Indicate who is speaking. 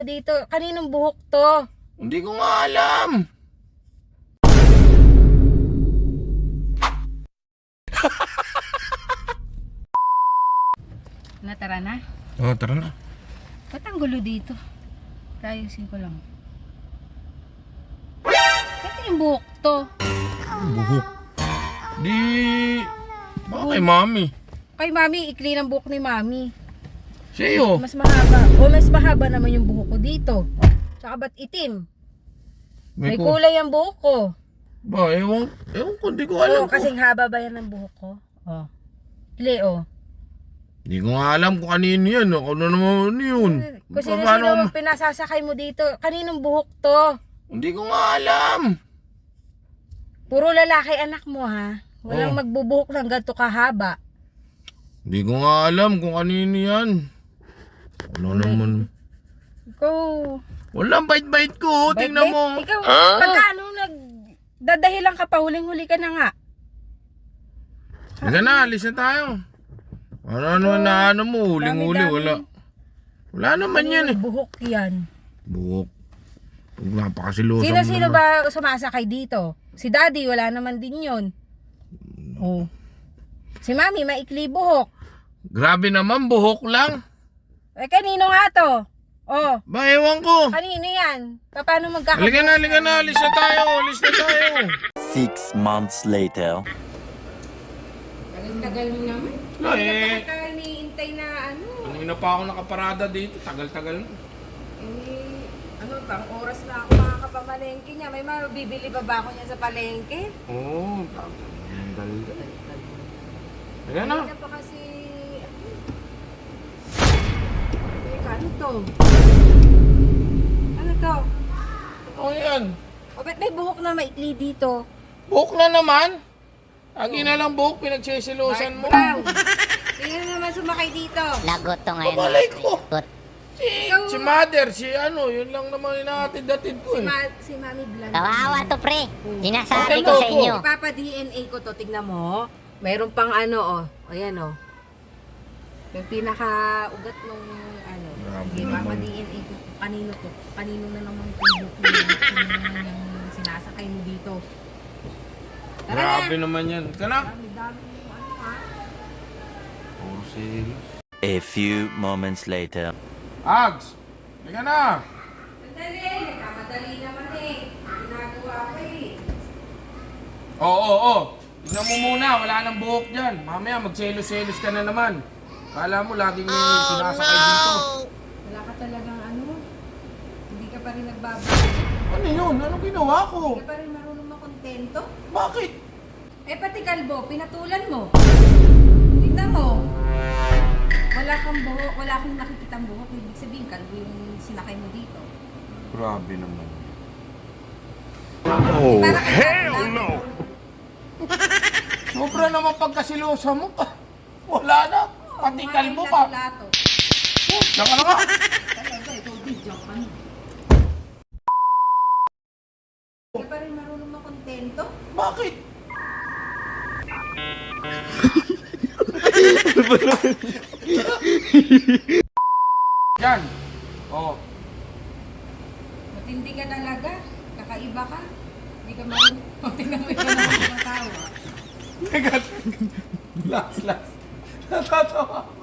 Speaker 1: Dito, kaninong buhok to?
Speaker 2: Hindi ko nga alam.
Speaker 1: Tara na.
Speaker 2: Oh, tara na.
Speaker 1: Ba't ang gulo dito? Ayusin ko lang. Kaninong buhok to?
Speaker 2: Buhok. Di... Baka kay mami.
Speaker 1: Kay mami, ikli ng buhok ni mami.
Speaker 2: Sa'yo.
Speaker 1: Mas mahaba. O mas mahaba naman yung buhok ko dito. Tsaka ba't itim? May kulay ang buhok ko.
Speaker 2: Ba, ewan ko, hindi ko alam.
Speaker 1: Oo, kasing haba ba yan ng buhok ko? Oh. Ikli, oh.
Speaker 2: Hindi ko nga alam kung kanino yan. Ako na naman yun.
Speaker 1: Kung sino-sino pinasasakay mo dito, kaninong buhok to?
Speaker 2: Hindi ko nga alam.
Speaker 1: Puro lalaki anak mo, ha? Walang magbubuhok ng ganito kahaba.
Speaker 2: Hindi ko nga alam kung kanino yan. Ano naman?
Speaker 1: Ikaw...
Speaker 2: Walang bait-bait ko. Tingnan mo.
Speaker 1: Ikaw, pagkaano nagdadahilan ka pa, huling-huli ka na nga.
Speaker 2: Sige na, alis na tayo. Ano na ano mo, huling-huli, wala. Wala naman yan eh.
Speaker 1: Buhok yan.
Speaker 2: Buhok. Huwag napakasilusan mo
Speaker 1: Sino-sino
Speaker 2: naman.
Speaker 1: ba sumasakay dito? Si daddy, wala naman din yun. Oh. Si mami, maikli buhok.
Speaker 2: Grabe naman, buhok lang.
Speaker 1: Eh, kanino nga to? Oh.
Speaker 2: Ba, ewan ko.
Speaker 1: Kanino yan? Paano magkakabuhok?
Speaker 2: Halika na, alis na tayo, alis na tayo.
Speaker 3: 6 months later.
Speaker 1: Tagal mo naman.
Speaker 2: Wala eh.
Speaker 1: Bakit ka iniintay na ano?
Speaker 2: Kanina pa ako nakaparada dito, tagal-tagal.
Speaker 1: Eh, ano bang oras na ako makakapamalengke niya? May mabibili ba ako niya sa palengke?
Speaker 2: Oo, tagal. Halika na.
Speaker 1: Kanina pa kasi... Teka, ano to? Ano to?
Speaker 2: Ano yan?
Speaker 1: O ba't may buhok na maikli dito?
Speaker 2: Buhok na naman. Lagi na lang buhok, pinagsisilusan mo.
Speaker 1: Brown! Sino naman sumakay dito?
Speaker 4: Lagot to ngayon.
Speaker 2: Babalay ko.
Speaker 4: Lagot.
Speaker 2: Si mother, si ano, yun lang naman inaatid-atid ko eh.
Speaker 1: Si Mami Blanca.
Speaker 4: Kawawa to, pre. Sinasabi
Speaker 2: Okay,
Speaker 4: ko sa
Speaker 2: go.
Speaker 4: inyo.
Speaker 1: Ipapa-DNA ko to, tignan mo. Mayroon pang ano, oh. Ayan, oh. Yung pinaka-ugat nung ano.
Speaker 2: Grabe
Speaker 1: Ipapa-DNA ko. Kanino to? Kanino na naman yung yung sinasakay mo dito? Tara
Speaker 2: Grabe
Speaker 1: na!
Speaker 2: naman yan. Ika na.
Speaker 1: Dami-dami yung ano, ha?
Speaker 2: Oh, serious.
Speaker 3: A few moments later.
Speaker 2: Ags! Halika na!
Speaker 1: Sandali! Nagkamadali naman eh. Ginagawa ko eh.
Speaker 2: Oo. Tignan mo muna, wala nang buhok dyan. Mamaya magselos-selos ka na naman. Kala mo laging may sinasakay dito.
Speaker 1: Wala ka talagang ano. Hindi ka pa rin nagbabago.
Speaker 2: Ano yun? Anong ginawa ko?
Speaker 1: Hindi ka pa rin marunong makontento.
Speaker 2: Bakit?
Speaker 1: Eh pati kalbo, pinatulan mo. Tignan mo. Wala kang buhok, wala akong nakikitang buhok. Ibig sabihin, kalbo yung sinakay mo dito.
Speaker 2: Grabe naman.
Speaker 3: Oh,
Speaker 1: hell no!
Speaker 2: Sobra naman pagkasilosa mo pa. Wala na. Pati kalbo pa. Diyan ka na nga.
Speaker 1: Talaga, ikaw video ka na. Hindi pa rin marunong makontento.
Speaker 2: Bakit? Yan. Oh.
Speaker 1: Matindi ka talaga. Kakaiba ka. Hindi ka marunong. Tingnan mo yung mga tao.
Speaker 2: Last. Natatawa.